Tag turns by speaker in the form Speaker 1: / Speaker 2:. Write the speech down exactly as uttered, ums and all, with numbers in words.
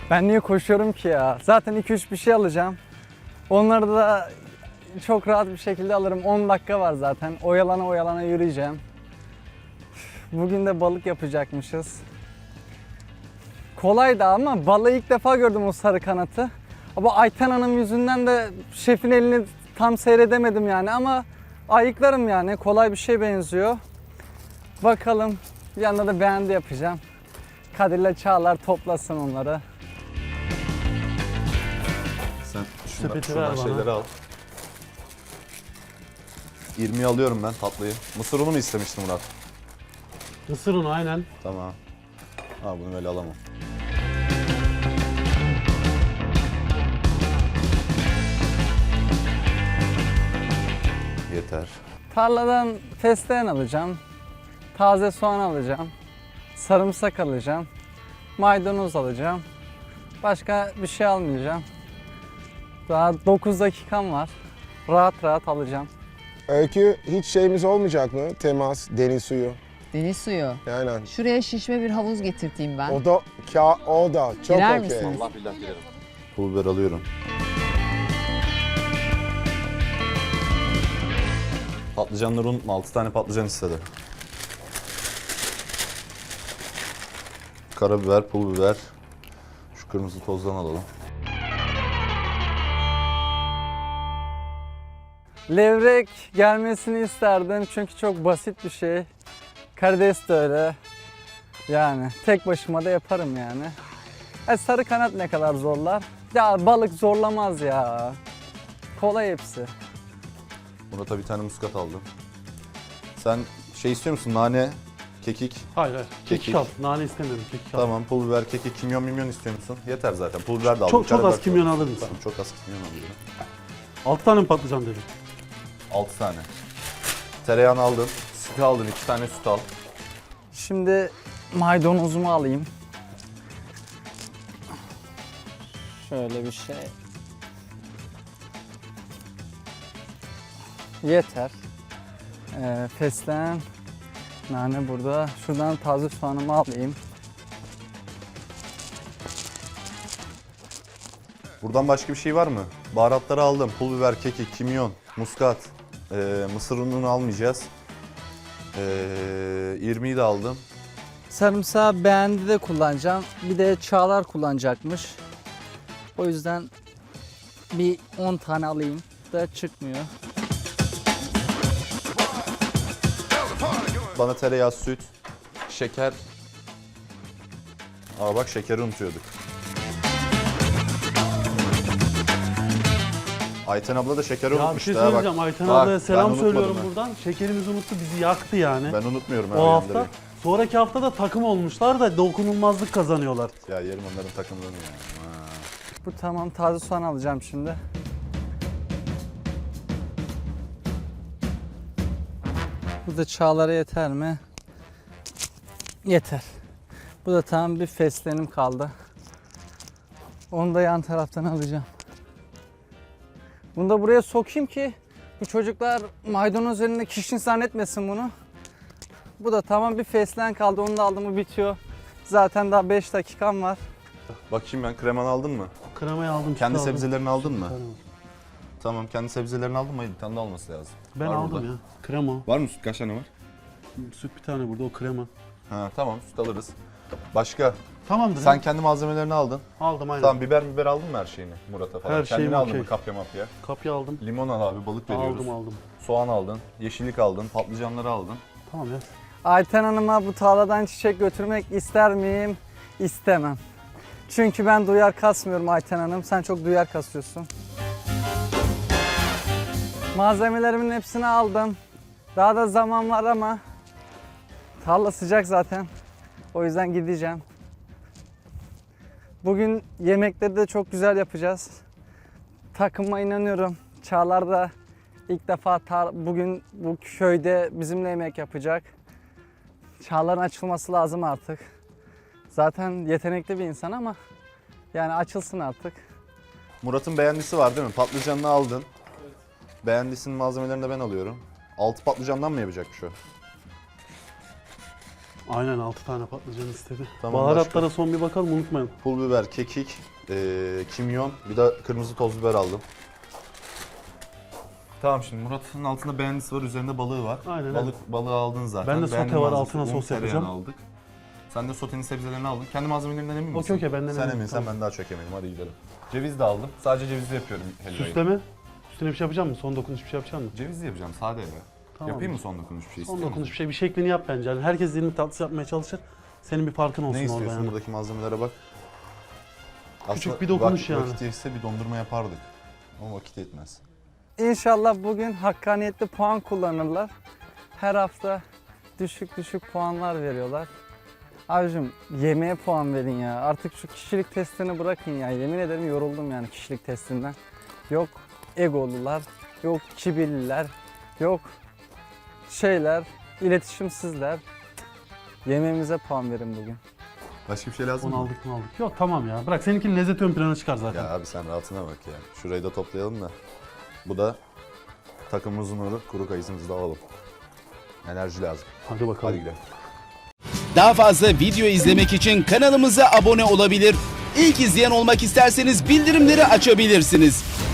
Speaker 1: Ben niye koşuyorum ki ya? Zaten iki üç bir şey alacağım. Onları da çok rahat bir şekilde alırım. on dakika var zaten. Oyalana oyalana yürüyeceğim. Bugün de balık yapacakmışız. Kolaydı ama balığı ilk defa gördüm, o sarı kanatı. Ama Ayten Hanım yüzünden de şefin elini tam seyredemedim yani, ama ayıklarım yani. Kolay bir şey benziyor. Bakalım, yanında da beğendi yapacağım. Kadir'le Çağlar toplasın onları.
Speaker 2: Sen şundan,
Speaker 3: Sepeti
Speaker 2: şuradan
Speaker 3: ver bana.
Speaker 2: şeyleri al. irmiyi alıyorum ben, tatlıyı. Mısır unu mu istemiştin Murat?
Speaker 3: Mısır unu aynen.
Speaker 2: Tamam. Ha, bunu böyle alamam. Yeter.
Speaker 1: Tarladan fesleğen alacağım. Taze soğan alacağım. Sarımsak alacağım. Maydanoz alacağım. Başka bir şey almayacağım. Daha dokuz dakikam var. Rahat rahat alacağım.
Speaker 4: Öykü, hiç şeyimiz olmayacak mı? Temas, deniz suyu.
Speaker 5: Deniz suyu.
Speaker 4: Aynen.
Speaker 5: Şuraya şişme bir havuz getirteyim ben.
Speaker 4: O da, ka, o da çok
Speaker 5: Girer
Speaker 4: okey.
Speaker 5: misiniz?
Speaker 2: Allah billah girerim. Pul biber alıyorum. Patlıcanları unutma. altı tane patlıcan istedi. Karabiber, pul biber. Şu kırmızı tozdan alalım.
Speaker 1: Levrek gelmesini isterdim çünkü çok basit bir şey. Karides de öyle. Yani tek başıma da yaparım yani. E, sarı kanat ne kadar zorlar? Ya balık zorlamaz ya. Kolay hepsi.
Speaker 2: Murat'a bir tane muskat aldım. Sen şey istiyor musun? Nane, kekik.
Speaker 3: Hayır hayır. Kekik,
Speaker 2: Kekik.
Speaker 3: al. Nane istemiyorum. Kekik al.
Speaker 2: Tamam, pul biber, kekik, kimyon, mimyon istiyor musun? Yeter zaten. Pul biber de aldım.
Speaker 3: Çok çok
Speaker 2: karabiber
Speaker 3: az kimyon
Speaker 2: de
Speaker 3: alır mısın?
Speaker 2: Tamam, çok az kimyon alıyorum.
Speaker 3: altı tane mi patlıcan dedin?
Speaker 2: altı tane. Tereyağını aldın. Süt aldın. iki tane süt al.
Speaker 1: Şimdi maydanozumu alayım. Şöyle bir şey. Yeter. Ee, fesleğen, nane burada. Şuradan taze soğanımı alayım.
Speaker 2: Buradan başka bir şey var mı? Baharatları aldım. Pul biber, kekik, kimyon, muskat. Ee, mısır ununu almayacağız. Ee, irmiği de aldım.
Speaker 1: Sarımsağı beğendi de kullanacağım. Bir de Çağlar kullanacakmış. O yüzden bir on tane alayım da çıkmıyor.
Speaker 2: Bana tereyağı, süt, şeker. Aa bak, şekeri unutuyorduk. Ayten abla da şekeri
Speaker 3: Ya bir
Speaker 2: unutmuştu.
Speaker 3: şey
Speaker 2: ha, bak.
Speaker 3: söyleyeceğim. Ayten
Speaker 2: Bak,
Speaker 3: ablaya
Speaker 2: ben
Speaker 3: selam
Speaker 2: unutmadım
Speaker 3: söylüyorum
Speaker 2: ha.
Speaker 3: buradan. Şekerimizi unuttu, bizi yaktı yani.
Speaker 2: Ben unutmuyorum. ha,
Speaker 3: o hafta.
Speaker 2: uyandırayım.
Speaker 3: Sonraki hafta da takım olmuşlar da dokunulmazlık kazanıyorlar.
Speaker 2: Ya yerim onların takımlarını ya. Ha.
Speaker 1: Bu tamam, taze soğan alacağım şimdi. Bu da Çağlar'a yeter mi? Yeter. Bu da tamam, bir fesleğenim kaldı. Onu da yan taraftan alacağım. Bunu da buraya sokayım ki bu çocuklar maydanoz elinde kişinin zannetmesin bunu. Bu da tamam, bir fesleğen kaldı, onu da aldım mı bitiyor. Zaten daha beş dakikam var.
Speaker 2: Bakayım, ben kremanı aldın mı?
Speaker 3: Kremayı aldım. sütü
Speaker 2: Kendi
Speaker 3: aldım.
Speaker 2: sebzelerini aldın mı?
Speaker 3: Tamam.
Speaker 2: Tamam, kendi sebzelerini aldın mı? Bir tane de olması lazım.
Speaker 3: Ben
Speaker 2: Var
Speaker 3: aldım
Speaker 2: burada.
Speaker 3: ya. Krema.
Speaker 2: Var mı süt? Kaç tane var?
Speaker 3: Süt bir tane burada, o krema.
Speaker 2: Ha tamam, süt alırız. Başka?
Speaker 3: Tamamdır.
Speaker 2: Sen
Speaker 3: ya.
Speaker 2: kendi malzemelerini aldın.
Speaker 3: Aldım aynen.
Speaker 2: Tamam, biber biber aldın mı her şeyini Murat'a falan?
Speaker 3: Her
Speaker 2: Kendine
Speaker 3: şeyim
Speaker 2: aldın
Speaker 3: okey.
Speaker 2: mı kapya mapya?
Speaker 3: Kapya aldım.
Speaker 2: Limon al abi, balık veriyoruz.
Speaker 3: Aldım aldım.
Speaker 2: Soğan aldın, yeşillik aldın, patlıcanları aldın.
Speaker 3: Tamam ya.
Speaker 1: Ayten Hanım'a bu tarladan çiçek götürmek ister miyim? İstemem. Çünkü ben duyar kasmıyorum Ayten Hanım. Sen çok duyar kasıyorsun. Malzemelerimin hepsini aldım. Daha da zaman var ama tarla sıcak zaten. O yüzden gideceğim. Bugün yemekleri de çok güzel yapacağız. Takıma inanıyorum. Çağlar da ilk defa tar- bugün bu köyde bizimle yemek yapacak. Çağlar'ın açılması lazım artık. Zaten yetenekli bir insan ama yani açılsın artık.
Speaker 2: Murat'ın beğendisi var değil mi? Patlıcanını aldın. Beğendisinin malzemelerini de ben alıyorum. Altı patlıcandan mı yapacakmış o?
Speaker 3: Aynen altı tane patlıcan istedi.
Speaker 2: Tamam,
Speaker 3: Baharatlara
Speaker 2: başka?
Speaker 3: son bir bakalım unutmayın.
Speaker 2: Pul biber, kekik, e, kimyon, bir de kırmızı toz biber aldım. Tamam, şimdi Murat'ın altında beğendisi var, üzerinde balığı var.
Speaker 3: Aynen,
Speaker 2: Balık balığı aldın zaten.
Speaker 3: Ben de sote
Speaker 2: Beğendiğin
Speaker 3: var,
Speaker 2: malzemesi,
Speaker 3: altına
Speaker 2: un,
Speaker 3: sos
Speaker 2: tereyağını
Speaker 3: yapacağım.
Speaker 2: aldık. Sen de sotenin sebzelerini aldın. Kendi malzemelerinden emin misin?
Speaker 3: Okey, okey, benden
Speaker 2: Sen
Speaker 3: eminim,
Speaker 2: eminsen
Speaker 3: tamam.
Speaker 2: ben daha çok eminim. Hadi gidelim. Ceviz de aldım. Sadece cevizli yapıyorum helvayı.
Speaker 3: Süsleme. Üstüne bir şey yapacak mısın? Son dokunuş bir şey yapacak mısın?
Speaker 2: Cevizli yapacağım, sade ya.
Speaker 3: Tamam.
Speaker 2: Yapayım mı son dokunuş bir şey?
Speaker 3: Son
Speaker 2: istiyor
Speaker 3: dokunuş
Speaker 2: musun?
Speaker 3: bir şey. Bir şeklini yap bence. Yani herkes dilini tatlısı yapmaya çalışır. Senin bir farkın olsun
Speaker 2: Ne
Speaker 3: orada
Speaker 2: istiyorsun
Speaker 3: yani.
Speaker 2: buradaki malzemelere bak.
Speaker 3: Küçük
Speaker 2: Aslında
Speaker 3: bir dokunuş
Speaker 2: vak-
Speaker 3: yani.
Speaker 2: Vakit yetse bir dondurma yapardık. Ama vakit yetmez.
Speaker 1: İnşallah bugün hakkaniyetli puan kullanırlar. Her hafta düşük düşük puanlar veriyorlar. Abicim yemeğe puan verin ya. Artık şu kişilik testini bırakın ya. Yemin ederim yoruldum yani kişilik testinden. Yok egolular, yok kibirliler, yok şeyler, iletişimsizler. Cık. Yemeğimize puan verin bugün.
Speaker 2: Başka bir şey lazım
Speaker 3: Onu
Speaker 2: mı?
Speaker 3: aldık mı aldık. Yok tamam ya. Bırak seninkinin lezzeti ön plana çıkar zaten.
Speaker 2: Ya abi sen rahatına bak ya. Şurayı da toplayalım da. Bu da takımımızın nuru. Kuru kayısımızı da alalım. Enerji lazım.
Speaker 3: Hadi bakalım.
Speaker 2: Hadi gidelim.
Speaker 6: Daha fazla video izlemek için kanalımıza abone olabilir. İlk izleyen olmak isterseniz bildirimleri açabilirsiniz.